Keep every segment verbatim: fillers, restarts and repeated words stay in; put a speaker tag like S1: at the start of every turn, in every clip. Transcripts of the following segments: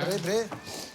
S1: Bry, bry.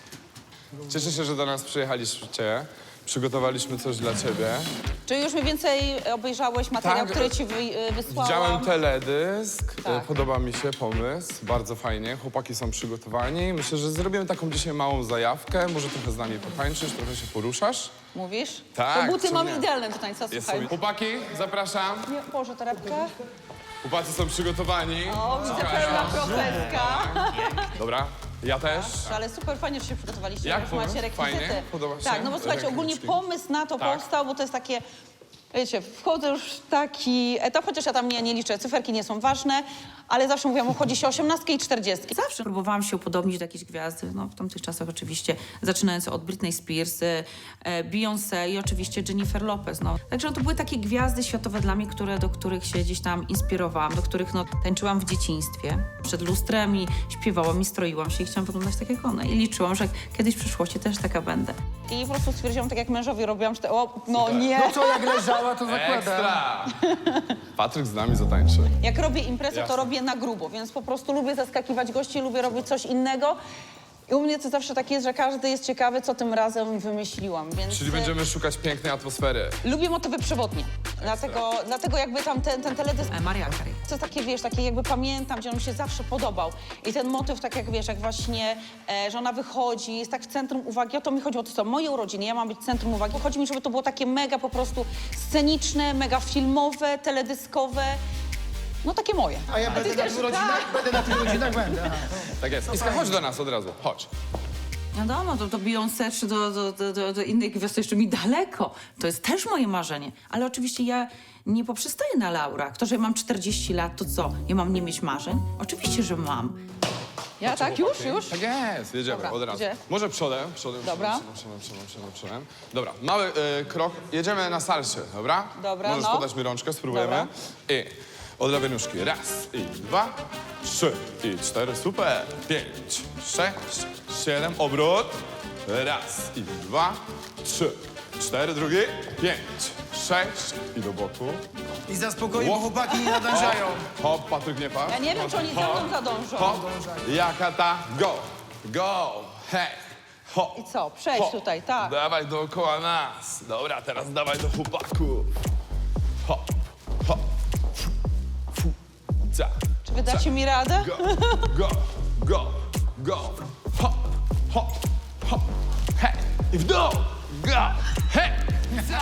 S2: Cieszę się, że do nas przyjechaliście. Przygotowaliśmy coś dla ciebie.
S3: Czy już mniej więcej obejrzałeś materiał,
S2: Tak,
S3: który ci wy, wysłałam?
S2: Widziałem teledysk,
S3: Tak.
S2: podoba mi się pomysł, bardzo fajnie. Chłopaki są przygotowani. Myślę, że zrobimy taką dzisiaj małą zajawkę. Może trochę z nami potańczysz, trochę się poruszasz.
S3: Mówisz?
S2: Tak,
S3: To buty
S2: co
S3: mam
S2: nie?
S3: idealne do tańca,
S2: Jest
S3: słuchaj.
S2: sobie. Chłopaki, zapraszam.
S3: Nie, Boże, torebkę.
S2: Chłopacy są przygotowani.
S3: O, widzę pełna profeska.
S2: Dobra, ja też.
S3: Ale super fajnie, że się przygotowaliście.
S2: Jak
S3: już
S2: pomysł?
S3: macie rekwizyty.
S2: Fajnie? Podoba się?
S3: Tak, no bo słuchajcie, ogólnie
S2: Rękawiczki.
S3: pomysł na to
S2: Tak.
S3: powstał, bo to jest takie... Wiecie, wchodzę już w taki etap, chociaż ja tam nie, nie liczę, cyferki nie są ważne, ale zawsze mówiłam, obchodzi się osiemnastki i czterdziestki.
S4: Zawsze próbowałam się upodobnić do jakiejś gwiazdy, no w tamtych czasach oczywiście, zaczynając od Britney Spears, e, Beyoncé i oczywiście Jennifer Lopez, no. Także no, to były takie gwiazdy światowe dla mnie, które, do których się gdzieś tam inspirowałam, do których no, tańczyłam w dzieciństwie. Przed lustrem i śpiewałam i stroiłam się i chciałam wyglądać tak jak one. I liczyłam, że kiedyś w przyszłości też taka będę.
S3: I po prostu stwierdziłam, tak jak mężowi robiłam, że te, o, no nie.
S1: No co, jak leżała, to zakładam.
S2: Ekstra! Patryk z nami zatańczy.
S3: Jak robię imprezę, to
S2: Jasne.
S3: robię na grubo, więc po prostu lubię zaskakiwać gości, lubię robić coś innego. I u mnie to zawsze tak jest, że każdy jest ciekawy, co tym razem wymyśliłam, więc...
S2: Czyli będziemy szukać pięknej atmosfery.
S3: Lubię motywy przewodnie, dlatego, dlatego jakby tam ten, ten teledysk...
S4: E, Mariah Carey.
S3: To jest takie, wiesz, takie jakby pamiętam, gdzie on mi się zawsze podobał. I ten motyw, tak jak wiesz, jak właśnie, e, że ona wychodzi, jest tak w centrum uwagi. O to mi chodziło, to są moje urodziny, ja mam być centrum uwagi. Chodzi mi, żeby to było takie mega po prostu sceniczne, mega filmowe, teledyskowe. No takie moje.
S1: A ja
S3: ty
S1: będę na
S3: też,
S1: tych rodzinach?
S3: tak.
S1: Będę na tych rodzinach, będę. Aha.
S2: Tak jest. Iska, chodź do nas od razu, chodź.
S4: Wiadomo, to do Beyoncé czy do, do, do, do, do innych gwiazd to jeszcze mi daleko. To jest też moje marzenie. Ale oczywiście ja nie poprzestaję na laurach. To, że mam czterdzieści lat, to co? Ja mam nie mieć marzeń? Oczywiście, że mam.
S3: Ja tak, już, już.
S2: Tak jest, jedziemy
S3: Dobra,
S2: od razu.
S3: gdzie?
S2: Może przodem, przodem,
S3: Dobra.
S2: przodem, przodem, przodem, przodem, przodem. Dobra, mały y, krok, jedziemy na salsie, dobra?
S3: Dobra,
S2: Możesz
S3: no.
S2: podać mi rączkę, spróbujemy.
S3: Dobra.
S2: I od lewej nóżki, raz, i dwa, trzy, i cztery, super. Pięć, sześć, siedem, obrót. Raz, i dwa, trzy, cztery, drugi, pięć, sześć, i do boku.
S1: I za spokoju, bo
S2: Ło.
S1: chłopaki nie nadążają.
S2: Hop, Patryk nie padł.
S3: Ja nie wiem, czy oni za mną zadążą.
S2: Hop, jaka ta, go, go, hej, hop.
S3: I co? Przejdź
S2: Hop.
S3: tutaj, tak.
S2: Dawaj dookoła nas. Dobra, teraz dawaj do chłopaków. Hop, hop, fu, fu, za,
S3: Czy wydacie mi radę?
S2: go, go, go, go, hop, hop, hop, hej, i w dół, go, hej, za.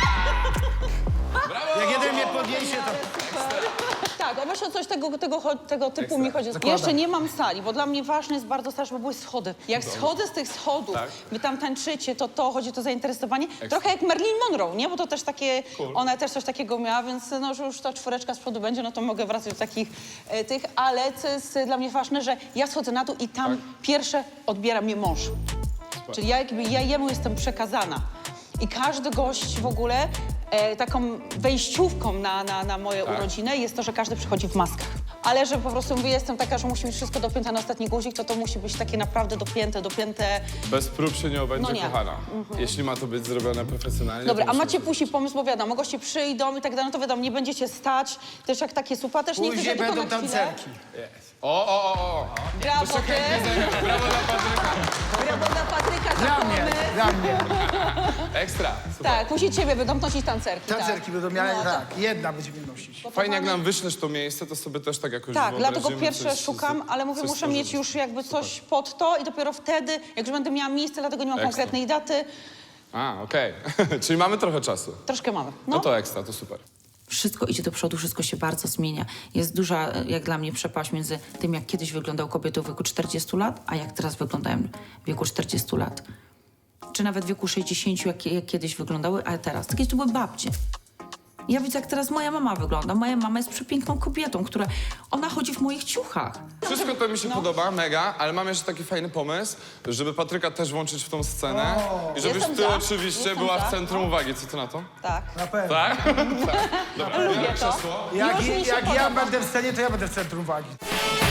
S2: Brawo!
S1: Jak jeden mnie podniesie, to...
S3: Tak, o właśnie o coś tego, tego, cho- tego typu
S2: Ekstra.
S3: mi chodzi.
S1: Zakładam.
S3: Jeszcze nie mam sali, bo dla mnie ważne jest bardzo też, żeby były schody. Jak schodzę z tych schodów,
S2: Tak.
S3: wy tam tańczycie, to to chodzi to zainteresowanie. Trochę jak Marilyn Monroe, nie? Bo to też takie, ona też coś takiego miała, więc no, że już ta czwóreczka z przodu będzie, no to mogę wracać do takich e, tych, ale co jest e, dla mnie ważne, że ja schodzę na dół i tam pierwsze odbiera mnie mąż. Czyli ja jakby ja jemu jestem przekazana. I każdy gość w ogóle e, taką wejściówką na, na, na moje
S2: Tak.
S3: urodziny jest to, że każdy przychodzi w maskach. Ale że po prostu mówię, jestem taka, że musi być wszystko dopięte na ostatni guzik, to to musi być takie naprawdę dopięte, dopięte.
S2: Bez prób się nie obędzie,
S3: No nie.
S2: kochana. Jeśli ma to być zrobione profesjonalnie,
S3: Dobra,
S2: to
S3: a
S2: musi
S3: macie
S2: być-
S3: później pomysł, bo wiadomo, goście przyjdą i tak dalej, no to wiadomo, nie będziecie stać, też jak takie supa, też nie chcę
S1: Później
S3: tylko
S1: będą
S3: na chwilę.
S1: tancerki.
S2: O, o, o, o.
S3: Brawo, ty!
S2: Brawo dla Patryka.
S3: Brawo dla Patryka za
S1: Dla mnie,
S3: pomysł.
S1: dla mnie.
S2: Ekstra. Super.
S3: Tak, później ciebie będą nosić tancerki.
S1: Tancerki
S3: tak.
S1: będą miały,
S3: No,
S1: tak. Jedna będzie mnie nosić.
S2: Fajnie, jak nam wyślesz to miejsce, to sobie też tak jakoś
S3: Tak, dlatego
S2: wyobrazimy,
S3: pierwsze
S2: coś-
S3: szukam, ale mówię,
S2: coś
S3: muszę
S2: stworzymy.
S3: mieć już jakby coś pod to i dopiero wtedy, jak już będę miała miejsce, dlatego nie mam
S2: Ekstra.
S3: konkretnej daty,
S2: A, okej. Czyli mamy trochę czasu.
S3: troszkę mamy.
S2: No
S3: No,
S2: to ekstra, to super.
S4: Wszystko idzie do przodu, wszystko się bardzo zmienia. Jest duża, jak dla mnie, przepaść między tym, jak kiedyś wyglądały kobiety w wieku czterdziestu lat, a jak teraz wyglądają w wieku czterdziestu lat. Czy nawet w wieku sześćdziesięciu, jak, jak kiedyś wyglądały, a teraz. Kiedyś to były babcie. Ja widzę, jak teraz moja mama wygląda. Moja mama jest przepiękną kobietą, która... Ona chodzi w moich ciuchach.
S2: Wszystko to
S3: No.
S2: mi się podoba, mega, ale mam jeszcze taki fajny pomysł, żeby Patryka też włączyć w tą scenę i żebyś
S3: Jestem
S2: ty
S3: za.
S2: oczywiście
S3: Jestem
S2: była
S3: za.
S2: w centrum uwagi. Co ty na to?
S3: tak.
S1: Na pewno.
S2: Tak? tak. Dobra,
S3: Lubię
S2: biorę
S3: to.
S2: krzesło.
S1: Jak,
S3: Już mi się
S1: jak ja
S3: podoba.
S1: będę w scenie, to ja będę w centrum uwagi.